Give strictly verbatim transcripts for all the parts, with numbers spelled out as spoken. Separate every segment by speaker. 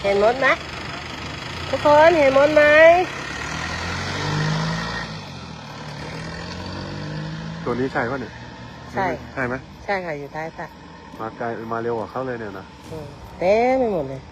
Speaker 1: เห็นมดไหมทุกคนเห็นมดไหม
Speaker 2: ตัวนี้ใช่ป่ะเนี่ย
Speaker 1: ใช่
Speaker 2: ใช่ไหม
Speaker 1: ใช่ค่ะอยู่ท้ายสระ
Speaker 2: มาไกลมาเร็วกว่าเขาเลยเนี่ยนะ
Speaker 1: เต้ไม่หมดเลย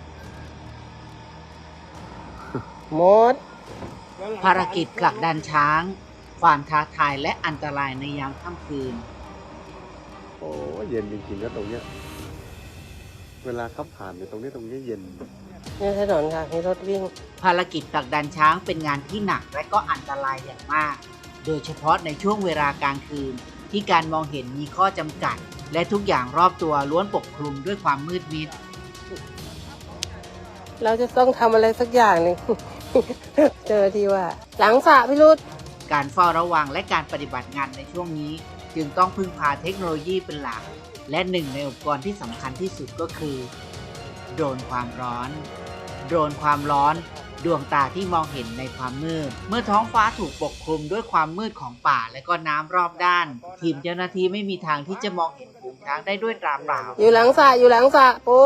Speaker 1: มด
Speaker 3: ภารกิจผลักดันช้างความท้าทายและอันตรายในยามค่ำคืน
Speaker 2: โอ้เย็นจริงๆก็ตรงเนี้ยเวลาขับผ่านเนี่ยตรงนี้ตรงนี้เย็น
Speaker 1: นี่ถนนค่ะมีรถวิ่ง
Speaker 3: ภารกิจผลักดันช้างเป็นงานที่หนักและก็อันตรายอย่างมากโดยเฉพาะในช่วงเวลากลางคืนที่การมองเห็นมีข้อจำกัดและทุกอย่างรอบตัวล้วนปกคลุมด้วยความมืดมิด
Speaker 1: เราจะต้องทำอะไรสักอย่างหนึ่ง เจอที่ว่าหลังสระพิรุธ
Speaker 3: การเฝ้าระวังและการปฏิบัติงานในช่วงนี้จึงต้องพึ่งพาเทคโนโลยีเป็นหลักและหนึ่งในอุปกรณ์ที่สำคัญที่สุดก็คือโดรนความร้อนโดรนความร้อนดวงตาที่มองเห็นในความมืดเมื่อท้องฟ้าถูกปกคลุมด้วยความมืดของป่าและก็น้ำรอบด้านทีมเจ้าหน้าที่ไม่มีทางที่จะมองเห็นฝูงช้างได้ด้วยตาเปล่า
Speaker 1: อยู่หลังสระอยู่หลังสระปู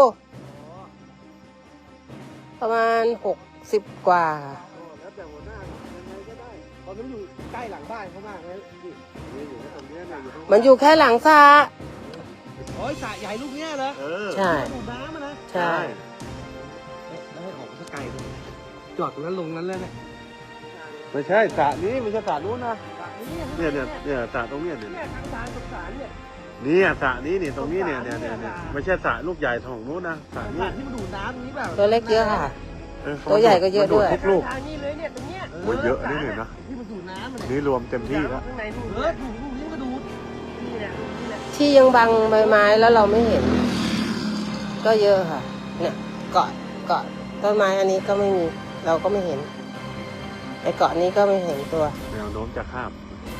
Speaker 1: ประมาณหกสิบกว่า
Speaker 2: แล้วแต่หัวหน้ายังไงก็ได้ตอนนั้นอยู่ใกล้หลังบ้านเขามากเลยนี่อยู่ตรงนี้เนี่ยอยู่
Speaker 1: มันอยู่แค่หลังสระ
Speaker 4: โอ้ยสระใหญ่ลูกเนี้ยเหรอ
Speaker 1: ใช่
Speaker 4: ดูน้ำนะ
Speaker 1: ใช่
Speaker 4: แล้วให้ออกสักไกลเลยจอดตรงนั้นลงนั้นเลยนะ
Speaker 2: ไม่ใช่สระนี้ไม่ใช่สระนู้นนะเนี่ยเนี่ยเนี่ยสระตรงนี้เนี่ย
Speaker 4: ทางสารสงสารเนี่ย
Speaker 2: นี่สระนี้เนี่ยตรงนี้เนี่ยเนี่ยเนี่ยไม่ใช่สระลูกใหญ่ของนู้นนะสระนี้
Speaker 4: ที่มันดูน้ำนี้แบบ
Speaker 1: ตัวเล็กเยอะค่ะตัวใหญ่ก็เยอะด้วย
Speaker 2: ทุกลูก
Speaker 4: ทางนี้เลยเนี่ยตรงเนี้ย
Speaker 2: โอ้ยเยอะนี่เลยนะ
Speaker 4: ที่มันดูน้ำ
Speaker 2: นี่รวมเต็มที่แล้ว
Speaker 4: เออดูดูนี่ก็ดูนี่แหละนี่แหละ
Speaker 1: ที่ยังบังใบไม้แล้วเราไม่เห็นก็เยอะค่ะเนี่ยเกาะเกาะต้นไม้อันนี้ก็ไม่มีเราก็ไม่เห็นไอ้เกาะนี้ก็ไม่เห็นตัว
Speaker 2: แนวโน้มจะข้าม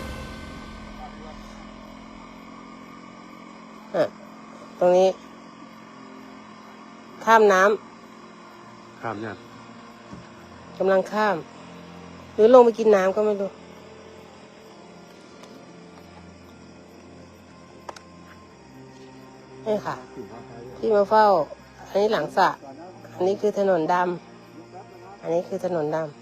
Speaker 1: ตรงนี้ข้ามน้
Speaker 2: ำข้ามเนี่ย
Speaker 1: กำลังข้ามหรือลงไปกินน้ำก็ไม่รู้นี่ค่ะที่มาเฝ้าอันนี้หลังสระอันนี้คือถนนดำอันนี้คือถนนดำ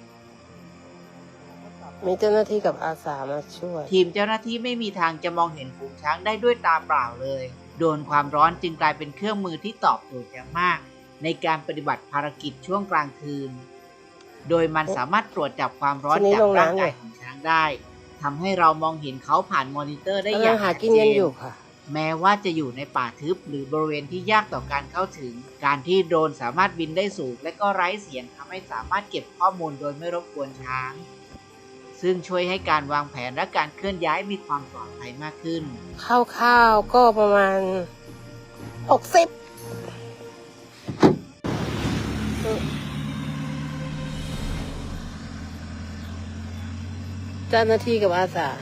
Speaker 1: มีเจ้าหน้าที่กับอาสามาช่วย
Speaker 3: ทีมเจ้าหน้าที่ไม่มีทางจะมองเห็นฝูงช้างได้ด้วยตาเปล่าเลยโดนความร้อนจึงกลายเป็นเครื่องมือที่ตอบโจทย์อย่างมากในการปฏิบัติภารกิจช่วงกลางคืนโดยมันสามารถตรวจจับความร้อนจากร่างกายของช้างได้ทำให้เรามองเห็นเขาผ่านมอนิเตอร์ได้อย่างชัดเจนแม้ว่าจะอยู่ในป่าทึบหรือบริเวณที่ยากต่อการเข้าถึงการที่โดรนสามารถบินได้สูงและก็ไร้เสียงทำให้สามารถเก็บข้อมูลโดยไม่รบกวนช้างซึ่งช่วยให้การวางแผนและการเคลื่อนย้ายมีความปลอดภัยมากขึ้น
Speaker 1: คร่าวๆก็ประมาณหกสิบเจ้าหน้าที่กับอาสา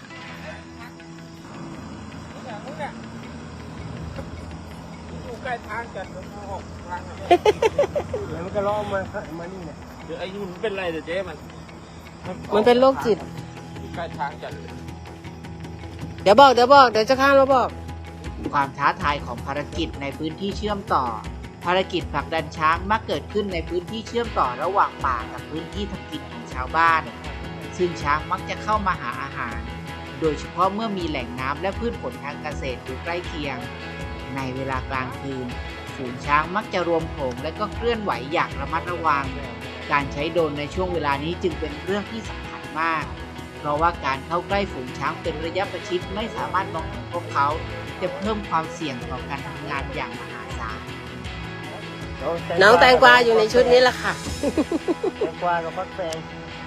Speaker 4: อยู่ใกล้ทางจัดมันออกทางแล้วมันก็ล้อมามานี่เนี่ยเดี๋ยวไอ้นี่มันเป็นไรเดี๋ยวเจ๊มัน
Speaker 1: มันเป็นโรคจิต
Speaker 4: ใกล้ทางจัด
Speaker 1: เดี๋ยวบอกเดี๋ยวบอกเดี๋ยวจะข้ามแล้วบอก
Speaker 3: ความท้าทายของภารกิจในพื้นที่เชื่อมต่อภารกิจผลักดันช้างมักเกิดขึ้นในพื้นที่เชื่อมต่อระหว่างป่ากับพื้นที่ทำกินของชาวบ้านซึ่งช้างมักจะเข้ามาหาอาหารโดยเฉพาะเมื่อมีแหล่งน้ำและพืชผลทางเกษตรอยู่ใกล้เคียงในเวลากลางคืนฝูงช้างมักจะรวมโขลงและก็เคลื่อนไหวอย่างระมัดระวังการใช้โดรนในช่วงเวลานี้จึงเป็นเรื่องที่สำคัญมากเพราะว่าการเข้าใกล้ฝูงช้างเป็นระยะประชิดไม่สามารถมองเห็นพวกเขาจะเพิ่มความเสี่ยงต่อการทำงานอย่างมหาศาล
Speaker 1: น้องแตงกวาอยู่ในชุดนี้แหละค่ะ
Speaker 4: แตงกวากับฟักแฟง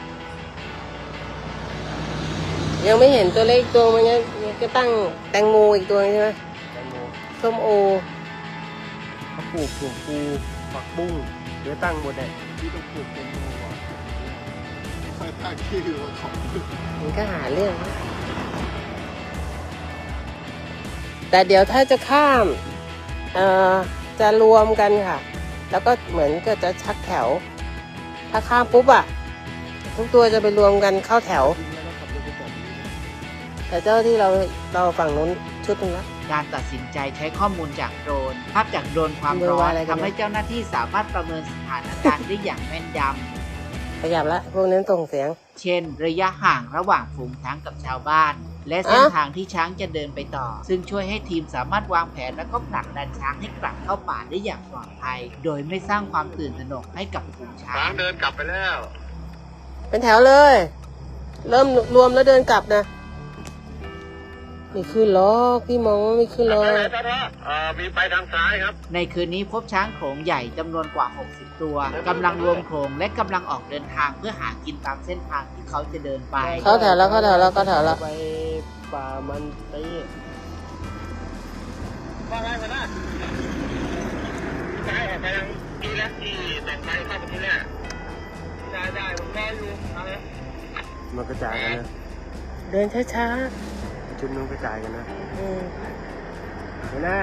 Speaker 1: ยังไม่เห็นตัวเลขตัวมันยังก็ตั้งแตงโมอีกตัวใช่ไหม
Speaker 4: แตงโม
Speaker 1: ส้มโอ
Speaker 4: เขาปลูกถั่วพูผักบุ้งเดี๋ยวตั้งหมดเลยที่ต้องปลูกแตงโม
Speaker 2: ใส่ผ้าขี้หัวของ
Speaker 1: มันก็หาเรื่องแต่เดี๋ยวถ้าจะข้ามเอ่อจะรวมกันค่ะแล้วก็เหมือนก็จะชักแถวถ้าข้ามปุ๊บอะทุกตัวจะไปรวมกันเข้าแถวแต่เจ้าที่เราเราฝั่งนู้นชุดนึงละ
Speaker 3: กการตัดสินใจใช้ข้อมูลจากโดรนภาพจากโดรนความร้อนทำให้เจ้าหน้าที่สามารถประเมินสถานการณ์ได้อย่างแม่นยำ
Speaker 1: ขยับละพวกนั้นส่งเสียง
Speaker 3: เช่น ระยะห่างระหว่างฝูงช้างกับชาวบ้าน และเส้นทางที่ช้างจะเดินไปต่อ ซึ่งช่วยให้ทีมสามารถวางแผนและก็ผลักดันช้างให้กลับเข้าป่าได้อย่างปลอดภัย โดยไม่สร้างความตื่นตระหนกให้กับฝูงช้าง
Speaker 4: ช้างเดินกลับไปแล้ว
Speaker 1: เป็นแถวเลย เริ่มรวมแล้วเดินกลับนะไม่ขึ้นหรอกพี่มองว่าไม่ขึ้นหรอก
Speaker 4: มีไปทางซ้ายครับ
Speaker 3: ในคืนนี้พบช้างโขลงใหญ่จำนวนกว่า หกสิบ ตัวกำลังรวมโขลงและกำลังออกเดินทางเพื่อหากินตามเส้นทางที่เขาจะเดินไป
Speaker 1: เข้าแถวแล้วเข้าแถวแล้วเข้าแถวแล้ว
Speaker 2: ไปป่ามันตี
Speaker 4: ว่าไงมาหน้าซ้ายออกไปทางที่แรกที่แต่งไปเข้าไปที่แรกได้ได้ผมรออยู่เอาเลย
Speaker 2: มันกระจายกันนะ
Speaker 1: เดินช้า
Speaker 2: ชุดนู้นกระจายกันนะ
Speaker 1: ๆอืม
Speaker 2: หัวหน้า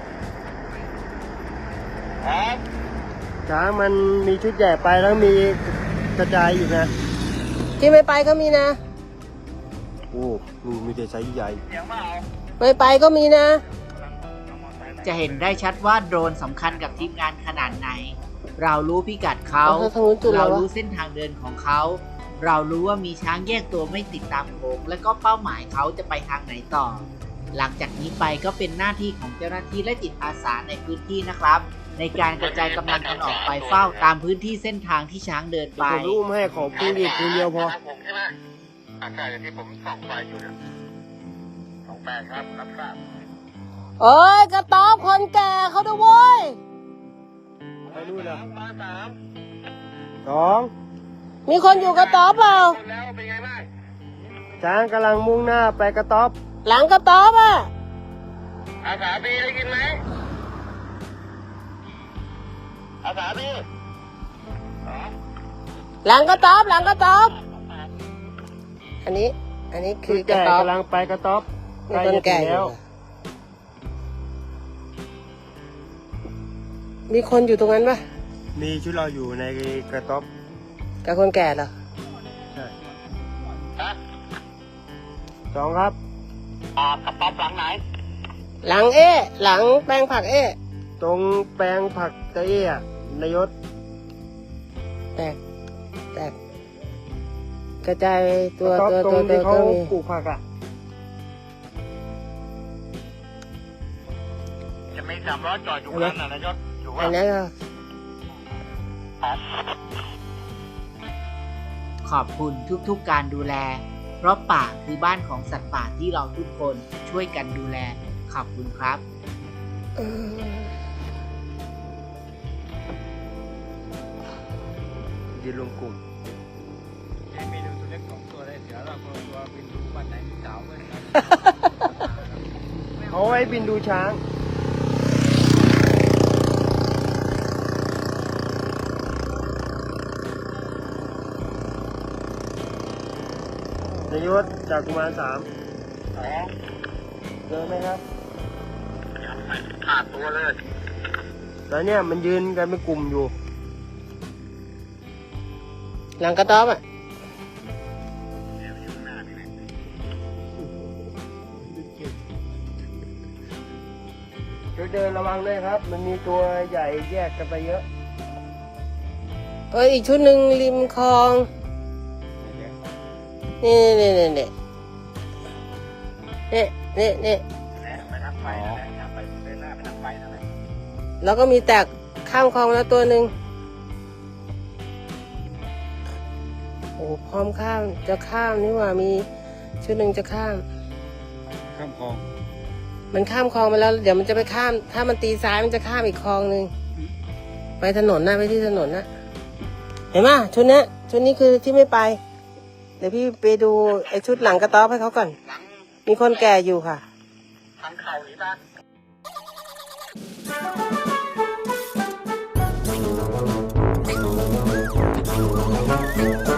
Speaker 4: ครับ
Speaker 2: ช้างมันมีชุดใหญ่ไปแล้วมีกระจายอีกนะ
Speaker 1: ที่ไม่ไปก็มีนะ
Speaker 2: โอ้มีมีแต่ไซส์ใหญ่
Speaker 4: เสียงเปล่า
Speaker 1: ไม่ไปก็มีนะ
Speaker 3: จะเห็นได้ชัดว่าโดรนสำคัญกับทีมงานขนาดไหน เรารู้พิกัดเขา
Speaker 1: เอาทางนู้นจุดแล้ว
Speaker 3: เรา
Speaker 1: วะ
Speaker 3: รู้เส้นทางเดินของเขา เรารู้ว่ามีช้างแยกตัวไม่ติดตามโขงและก็เป้าหมายเขาจะไปทางไหนต่อ หลังจากนี้ไปก็เป็นหน้าที่ของเจ้าหน้าที่และจิตอาสาในพื้นที่นะครับ ในการกระจายกำลังกันออกไปเฝ้าตามพื้นที่เส้นทางที่ช้างเดินไป
Speaker 2: ผมรู้ให้ขอพูดอีกทีเดียวพอ
Speaker 4: ผมใช่ไหมอากาศอย่างที่ผมส่องไฟอยู่เนี่ยสองแปดครับรับทราบ
Speaker 1: เอ้ยกระต๊อบคนแก่เขาด้วยเว้ย
Speaker 2: ไปนู่นนะ
Speaker 4: มาสาม
Speaker 2: สอง
Speaker 1: มีคนอยู่กระต๊อบเปล่า
Speaker 4: คนแล้วเป็นไงบ้าง
Speaker 2: ช้างกำลังมุ่งหน้าไปกระต๊อบ
Speaker 1: หลังกระต๊อบอ่ะ
Speaker 4: อาสาบีได้กินไหมอาสาบีอ๋อ
Speaker 1: หลังกระต๊อบหลังกระต๊อบอันนี้ อันนี้คื
Speaker 2: ชุ
Speaker 1: อ
Speaker 2: ด
Speaker 1: กระ
Speaker 2: ใหญ่
Speaker 1: ต๊อบ
Speaker 2: กำลังไปกระต๊อบ
Speaker 1: มีคนแก่อยู่
Speaker 2: แล้ว
Speaker 1: มีคนอยู่ตรงนั้นปะ
Speaker 2: มีชุดเราอยู่ในกระต๊อบ
Speaker 1: กับคนแก่เหรอ
Speaker 2: ใช่
Speaker 4: ฮะ
Speaker 2: สองครับ
Speaker 4: อ่ากระป๋องหลังไหน
Speaker 1: หลังเอ๊ะหลังแปลงผักเอ๊ะ
Speaker 2: ตรงแปลงผักตะเอี้ยนายศ
Speaker 1: แตกแตกกระจายตัว
Speaker 2: กระต๊อบ
Speaker 1: ตัว
Speaker 2: ตร
Speaker 1: ตัว
Speaker 2: ง
Speaker 1: ตั
Speaker 2: ที่
Speaker 1: ว
Speaker 2: เขา
Speaker 1: ก็มี
Speaker 2: ปลูกผักอ่ะ
Speaker 4: จะมีสามล้อจอดอยู่นั่นน่ะนายศอยู่ว่า
Speaker 1: อันนั้นก็
Speaker 3: ขอบคุณทุกๆการดูแล เพราะป่าคือบ้านของสัตว์ป่าที่เราทุกคนช่วยกันดูแล ขอบคุณครับ
Speaker 1: เออ
Speaker 2: ยืนรวมกลุ่ม
Speaker 4: มีดูตัวเล็กสองตัวเลยเสือเราตัวเป็นดูบ้านไหนมีสาวเลย
Speaker 2: เอาไว้บินดูช้าง นายศจากกุมารสาม
Speaker 4: อ๋อ
Speaker 2: เจอไหมครับ
Speaker 4: ขาดตัวเลย
Speaker 2: แล้วเนี่ยมันยืนกันเป็นกลุ่มอยู่
Speaker 1: หลังกระต๊อบอ่ะ
Speaker 2: ช่วยเดินระวังด้วยครับ มันมีตัวใหญ่แยกกันไปเยอะ
Speaker 1: เอ้ยอีกชุดหนึ่งริมคลอง นี่นี่นี่นี่นี่นี่นี่
Speaker 4: ไปทางไฟนะไปเดินหน้าไปทางไฟนั่นแหละ
Speaker 1: แล้วก็มีแตกข้ามคลองแล้วตัวหนึ่งโอ้พร้อมข้ามจะข้ามนี่หว่ามีชุดหนึ่งจะข้าม
Speaker 2: ข้ามคลอง
Speaker 1: มันข้ามคลองไปแล้วเดี๋ยวมันจะไปข้าม ถ้ามันตีซ้ายมันจะข้ามอีกคลองหนึ่งไปถนนนะไปที่ถนนนะเห็นไหมชุดนี้ชุดนี้คือที่ไม่ไป เดี๋ยวพี่ไปดูไอ้ชุดหลังกระต๊อบให้เขาก่อน มีคนแก่อยู่ค่ะ
Speaker 4: ทางเข่าหรือบ้าน